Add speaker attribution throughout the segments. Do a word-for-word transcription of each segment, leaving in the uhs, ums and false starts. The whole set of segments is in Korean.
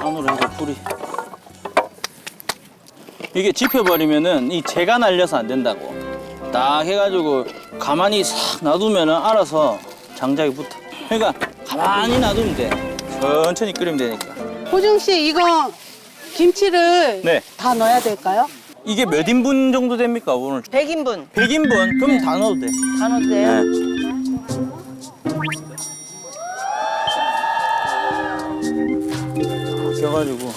Speaker 1: 안으로 해서 뿌리. 이게 집혀버리면은 이 재가 날려서 안 된다고. 딱 해가지고 가만히 싹 놔두면은 알아서 장작이 붙어. 그러니까 가만히 놔두면 돼. 천천히 끓이면 되니까.
Speaker 2: 호중 씨 이거 김치를
Speaker 1: 네.
Speaker 2: 다 넣어야 될까요?
Speaker 1: 이게 몇 인분 정도 됩니까 오늘?
Speaker 3: 백 인분
Speaker 1: 백 인분? 그럼 다 넣어도 돼.
Speaker 3: 다 넣어도 돼요?
Speaker 1: 네. 껴가지고.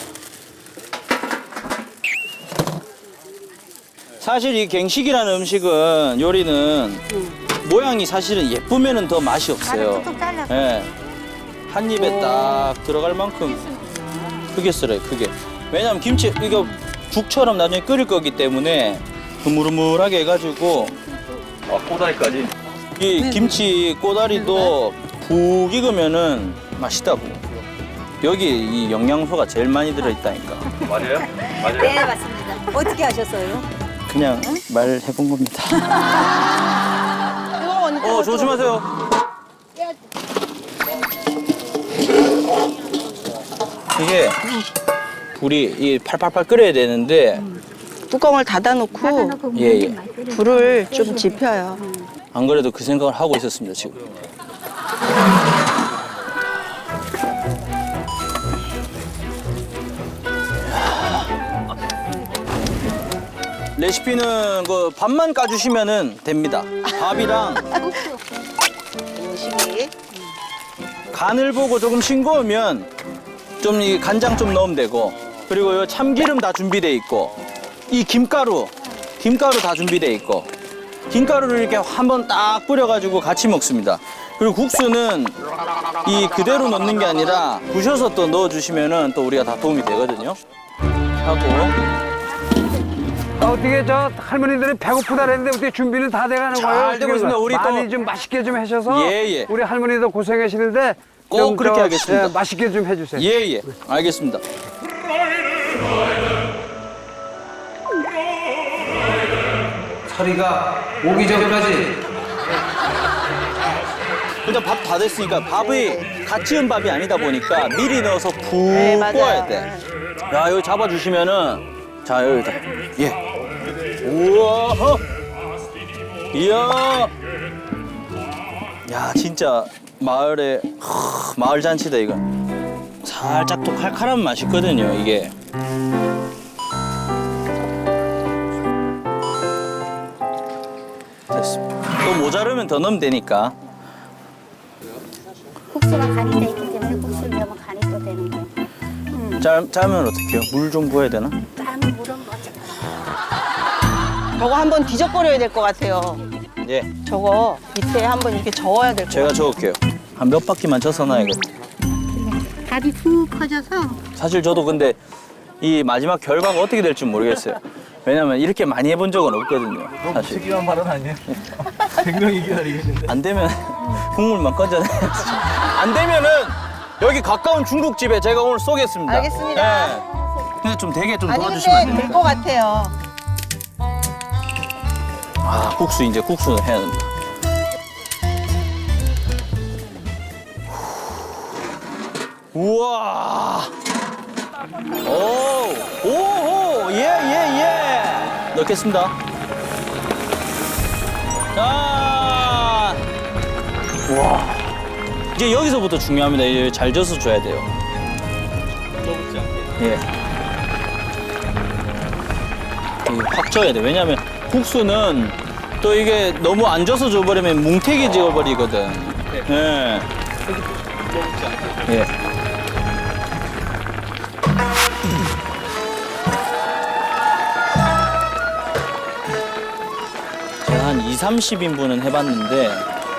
Speaker 1: 사실 이 갱식이라는 음식은 요리는 모양이 사실은 예쁘면은 더 맛이 없어요.
Speaker 4: 툭툭 잘라서.
Speaker 1: 예. 한 입에 딱 들어갈 만큼 크게 썰어요, 크게. 왜냐면 김치 이거 죽처럼 나중에 끓일 거기 때문에 흐물흐물하게 해가지고. 아, 꼬다리까지? 이 김치 꼬다리도 푹 익으면은 맛있다고. 여기 이 영양소가 제일 많이 들어있다니까.
Speaker 5: 맞아요? 맞아요?
Speaker 4: 네, 맞습니다. 어떻게 하셨어요?
Speaker 1: 그냥 말해본 겁니다.
Speaker 3: 이거 언니
Speaker 1: 어, 조심하세요. 이게 불이 이 팔팔팔 끓여야 되는데
Speaker 3: 뚜껑을 닫아놓고
Speaker 1: 예, 예.
Speaker 3: 불을 좀 지펴요.
Speaker 1: 안 그래도 그 생각을 하고 있었습니다, 지금. 레시피는 그 밥만 까주시면은 됩니다. 밥이랑
Speaker 3: 음식이
Speaker 1: 간을 보고 조금 싱거우면 좀 이 간장 좀 넣으면 되고, 그리고 요 참기름 다 준비돼 있고, 이 김가루, 김가루 다 준비돼 있고, 김가루를 이렇게 한번 딱 뿌려가지고 같이 먹습니다. 그리고 국수는 이 그대로 넣는 게 아니라 부셔서 또 넣어주시면은 또 우리가 다 도움이 되거든요. 하고.
Speaker 6: 아, 어떻게 저 할머니들이 배고프다 그랬는데 어떻게 준비는 다 돼가는
Speaker 1: 잘
Speaker 6: 거예요?
Speaker 1: 되고
Speaker 6: 어떻게
Speaker 1: 있습니다. 우리
Speaker 6: 많이
Speaker 1: 또-
Speaker 6: 좀 맛있게 좀 하셔서
Speaker 1: 예, 예.
Speaker 6: 우리 할머니도 고생하시는데
Speaker 1: 꼭
Speaker 6: 좀
Speaker 1: 그렇게
Speaker 6: 저,
Speaker 1: 하겠습니다.
Speaker 6: 예, 맛있게 좀 해주세요.
Speaker 1: 예, 예. 알겠습니다.
Speaker 7: 서리가 오기 전까지
Speaker 1: 일단 밥 다 됐으니까 밥이 갓 지은 밥이 아니다 보니까 미리 넣어서 푹
Speaker 3: 네, 맞아요.
Speaker 1: 구워야 돼. 야, 여기 잡아주시면은, 자, 여기다. 예. 우와, 어. 이야. 야, 진짜 마을에, 하, 마을 잔치다, 이거. 살짝 또 칼칼한 맛이 있거든요, 이게. 됐습니다. 또 모자르면 더 넣으면 되니까.
Speaker 4: 국수가 간이 돼 있기 때문에 국수를 넣으면 간이 또 되는 거예요.
Speaker 1: 짜, 짜면 어떡해요? 물 좀 부어야 되나?
Speaker 4: 짜는 물은 뭐지?
Speaker 3: 저거 한번 뒤적거려야 될 것 같아요.
Speaker 1: 예.
Speaker 3: 저거 밑에 한번 이렇게 저어야 될 것
Speaker 1: 제가
Speaker 3: 같아요.
Speaker 1: 적을게요. 한 몇 바퀴만 져서 놔야겠다.
Speaker 4: 밥이 푹 퍼져서
Speaker 1: 사실 저도 근데 이 마지막 결과가 어떻게 될지 모르겠어요. 왜냐면 이렇게 많이 해본 적은 없거든요. 사실.
Speaker 5: 특이한 발언 아니에요? 백 명이 기다리겠는데.
Speaker 1: 안 되면 국물만 건져내야지. 안 되면은 여기 가까운 중국집에 제가 오늘 쏘겠습니다.
Speaker 3: 알겠습니다.
Speaker 1: 네. 근데 좀 되게 좀
Speaker 3: 아니
Speaker 1: 도와주시면 안
Speaker 3: 근데 될
Speaker 1: 됩니까?
Speaker 3: 것 같아요.
Speaker 1: 아, 국수 이제 국수 해야 된다. 우와. 오, 오호, 예, 예, 예. 넣겠습니다. 자, 와. 이제 여기서부터 중요합니다. 이제 잘 져서 줘야 돼요.
Speaker 5: 먹지 않게.
Speaker 1: 예. 이게 확 져야 돼. 왜냐면 국수는 또 이게 너무 안 져서 줘버리면 뭉태기 지어버리거든. 예.
Speaker 5: 먹지 않게.
Speaker 1: 예. 제가 한 이삼십 인분은 해봤는데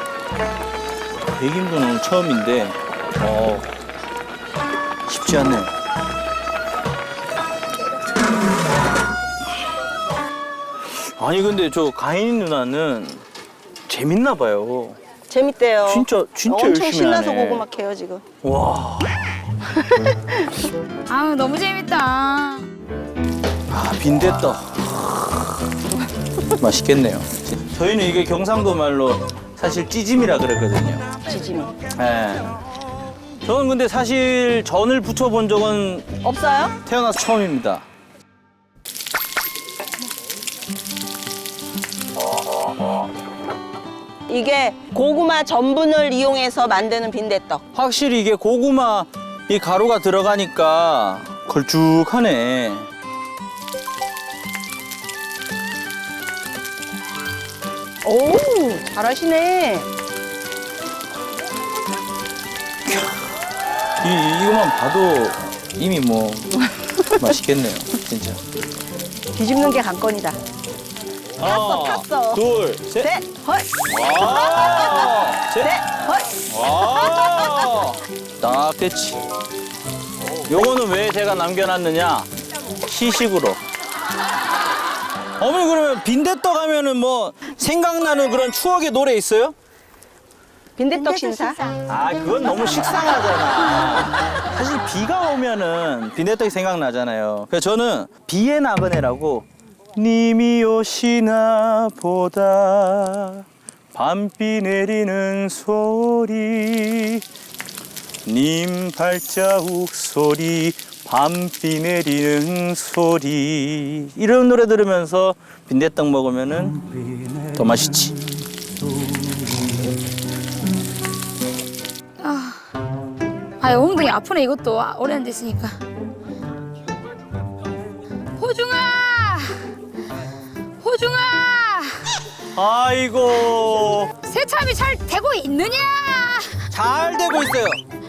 Speaker 1: 백 인분은 처음인데 어, 쉽지 않네요. 아니 근데 저 가인 누나는 재밌나 봐요.
Speaker 3: 재밌대요.
Speaker 1: 진짜 진짜
Speaker 3: 엄청
Speaker 1: 열심히
Speaker 3: 신나서
Speaker 1: 하네.
Speaker 3: 고구마 캐요 지금.
Speaker 1: 와.
Speaker 8: 아우 너무 재밌다.
Speaker 1: 아, 빈대떡. 맛있겠네요. 저희는 이게 경상도 말로 사실 찌짐이라 그러거든요.
Speaker 3: 지짐이.
Speaker 1: 예. 저는 근데 사실 전을 부쳐본 적은
Speaker 3: 없어요?
Speaker 1: 태어나서 처음입니다.
Speaker 3: 이게 고구마 전분을 이용해서 만드는 빈대떡.
Speaker 1: 확실히 이게 고구마 이 가루가 들어가니까 걸쭉하네.
Speaker 3: 오, 잘하시네.
Speaker 1: 이, 이거만 봐도 이미 뭐 맛있겠네요, 진짜.
Speaker 3: 뒤집는 게 관건이다.
Speaker 1: 하나,
Speaker 3: 탔어.
Speaker 1: 둘, 셋.
Speaker 3: 셋, 헐,
Speaker 1: 와, 셋.
Speaker 3: 셋, 헐.
Speaker 1: 와, 딱 됐지. 요거는 왜 제가 남겨놨느냐? 시식으로. 어머니 그러면 빈대떡 하면은 뭐 생각나는 그런 추억의 노래 있어요?
Speaker 3: 빈대떡 신사.
Speaker 1: 아, 그건 너무 식상하잖아. 사실 비가 오면은 빈대떡이 생각나잖아요. 그래서 저는 비의 나그네라고 님이 오시나 보다 밤비 내리는 소리 님 발자국 소리 밤비 내리는 소리 이런 노래 들으면서 빈대떡 먹으면은 더 맛있지.
Speaker 8: 아, 엉덩이 아프네 이것도 오래 안 됐으니까. 호중아, 호중아,
Speaker 1: 아이고
Speaker 8: 새참이 잘 되고 있느냐?
Speaker 1: 잘 되고 있어요.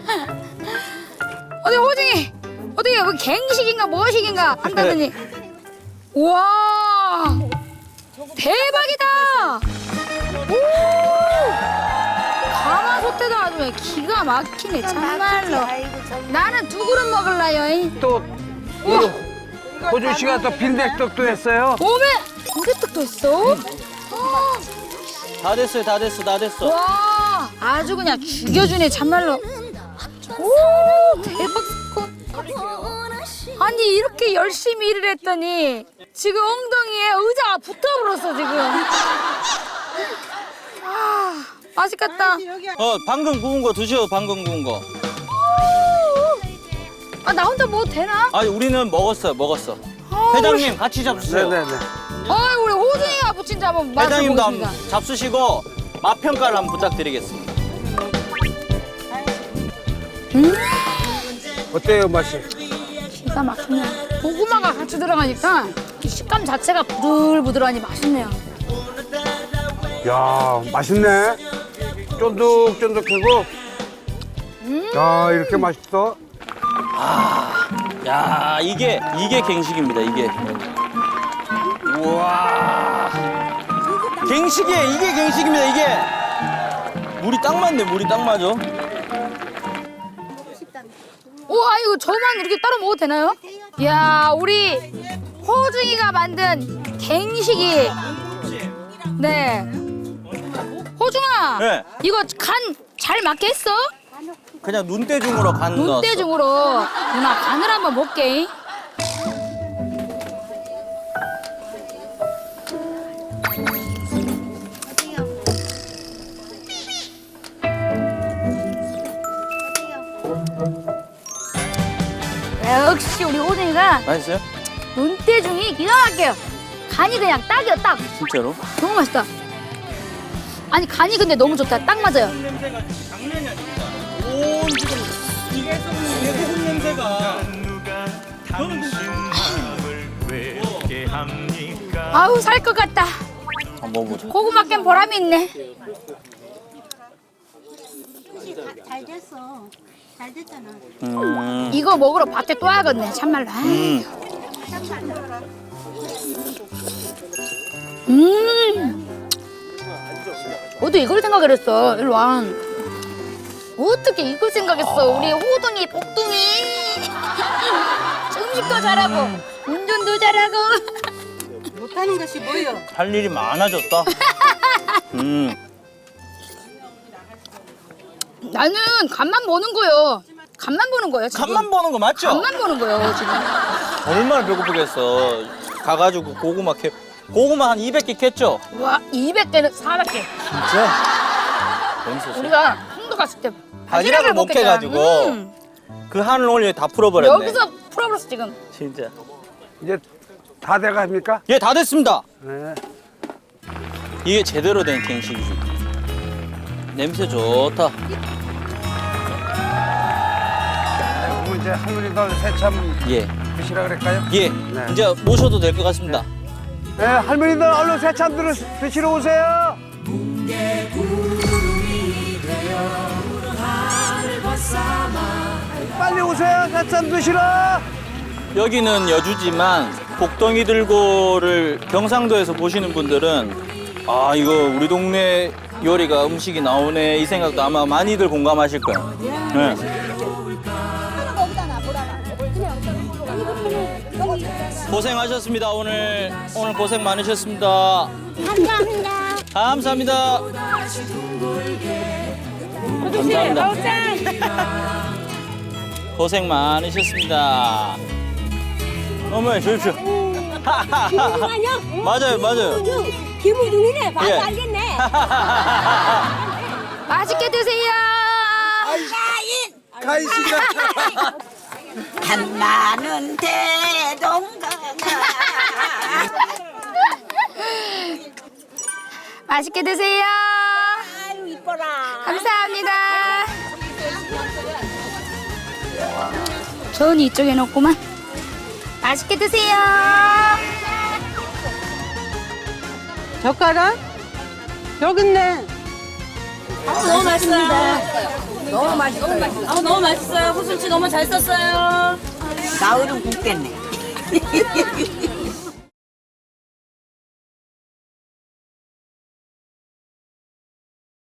Speaker 8: 어디 호중이, 어디 뭐 갱식인가 무엇식인가 한다더니, 우와, 대박이다. 오, 가마솥에도 아주 그냥 기가 막히네 참말로. 나는 두 그릇 먹을라요.
Speaker 6: 또
Speaker 8: 우와.
Speaker 6: 호준 씨가 또 빈대떡도 했어요.
Speaker 8: 오메 빈대떡도 있어?
Speaker 1: 다 됐어요, 다 됐어, 다 됐어.
Speaker 8: 와 아주 그냥 죽여주네 참말로. 오 대박 사건. 아니 이렇게 열심히 일을 했더니 지금 엉덩이에 의자가 붙어버렸어 지금. 아 맛있겠다.
Speaker 1: 어, 방금 구운 거 드셔, 방금 구운 거.
Speaker 8: 아 나 혼자 먹어도 되나?
Speaker 1: 아, 우리는 먹었어요, 먹었어.
Speaker 8: 아,
Speaker 1: 회장님 같이 잡수세요.
Speaker 6: 네네네.
Speaker 8: 어이 우리 호중이가 부친 잡은 맛을
Speaker 1: 회장님도
Speaker 8: 보겠습니다.
Speaker 1: 한번 잡수시고 맛 평가를 한번 부탁드리겠습니다.
Speaker 6: 어때요 맛이?
Speaker 8: 기가 막히네. 고구마가 같이 들어가니까 이 식감 자체가 부들부들하니 맛있네요.
Speaker 6: 야 맛있네. 쫀득쫀득하고. 야 이렇게 맛있어?
Speaker 1: 야, 이게 이게 갱식입니다, 이게. 우와. 갱식이에요, 이게 갱식입니다, 이게. 물이 딱 맞네, 물이 딱 맞아.
Speaker 8: 우와 이거 저만 이렇게 따로 먹어도 되나요? 이야 우리 호중이가 만든 갱식이. 네. 호중아.
Speaker 1: 네.
Speaker 8: 이거 간 잘 맞게 했어?
Speaker 1: 그냥 눈대중으로 간 넣었어.
Speaker 8: 눈대중으로. 누나 간을 한번 볼게. 역시 우리 호중이가
Speaker 1: 맛있어요?
Speaker 8: 눈대중이 기가 막혀요. 간이 그냥 딱이요 딱.
Speaker 1: 진짜로?
Speaker 8: 너무 맛있다. 아니 간이 근데 너무 좋다. 딱 맞아요.
Speaker 1: 냄새가 장난이 아닙니다. 온 지금 이게 소금 냄새가.
Speaker 8: 아우 살 것 같다.
Speaker 1: 한번 먹어보자.
Speaker 8: 고구마 깬 보람이 있네.
Speaker 4: 잘 됐어. 잘 됐잖아.
Speaker 1: 음.
Speaker 8: 이거 먹으러 밭에 또 와야겠네 참말로.
Speaker 1: 음.
Speaker 8: 음. 어떻게 이걸 생각을 했어? 일로 와. 어떻게 이걸 생각했어? 우리 호둥이 복둥이. 음식도 잘하고 운전도 잘하고.
Speaker 2: 못하는 것이 뭐요?
Speaker 1: 할 일이 많아졌다. 음.
Speaker 8: 나는 간만 보는 거요. 간만 보는 거예요 지금.
Speaker 1: 간만 보는 거 맞죠?
Speaker 8: 간만 보는 거예요 지금.
Speaker 1: 얼마나 배고프겠어. 가가지고 고구마 캐 고구마 한 이백 개 캤죠?
Speaker 8: 와 이백 개는 사백 개.
Speaker 1: 진짜? 재밌었어.
Speaker 8: 우리가 홍도 갔을 때
Speaker 1: 바지락을 못
Speaker 8: 먹겠다.
Speaker 1: 캐가지고
Speaker 8: 음.
Speaker 1: 그 한을 오늘 다 풀어버렸네.
Speaker 8: 여기서 풀어버렸어 지금.
Speaker 1: 진짜.
Speaker 6: 이제 다 돼갑니까?
Speaker 1: 예, 다 됐습니다.
Speaker 6: 네.
Speaker 1: 이게 제대로 된 갱식이지. 냄새 좋다.
Speaker 6: 그럼 이제 할머니가 새참
Speaker 1: 예,
Speaker 6: 드시라 그럴까요?
Speaker 1: 예.
Speaker 6: 네.
Speaker 1: 이제 모셔도 될 것 같습니다.
Speaker 6: 네, 할머니들 얼른 새참 들 드시러 오세요. 빨리 오세요, 새참 드시러.
Speaker 1: 여기는 여주지만 복덩이 들고를 경상도에서 보시는 분들은 아 이거 우리 동네 요리가 음식이 나오네 이 생각도 아마 많이들 공감하실 거예요. 네. 고생하셨습니다. 오늘 오늘 고생 많으셨습니다.
Speaker 4: 감사합니다.
Speaker 1: 감사합니다. 감사합니다. 고생 많으셨습니다. 어머니 주십시오. 맞아요, 맞아요.
Speaker 4: 김우중이네. 봐도
Speaker 1: 예.
Speaker 4: 알겠네.
Speaker 8: 맛있게 드세요.
Speaker 2: 한나는 대동강아.
Speaker 8: 맛있게 드세요.
Speaker 4: 아유 이뻐라.
Speaker 8: 감사합니다. 저는 이쪽에 놓고만. 맛있게 드세요.
Speaker 2: 젓가락? 여기 있네.
Speaker 9: 너무 맛있어요. 너무 맛있어요. 아, 너무 맛있어요. 호순씨 너무 잘 썼어요.
Speaker 2: 나으름 굽겠네.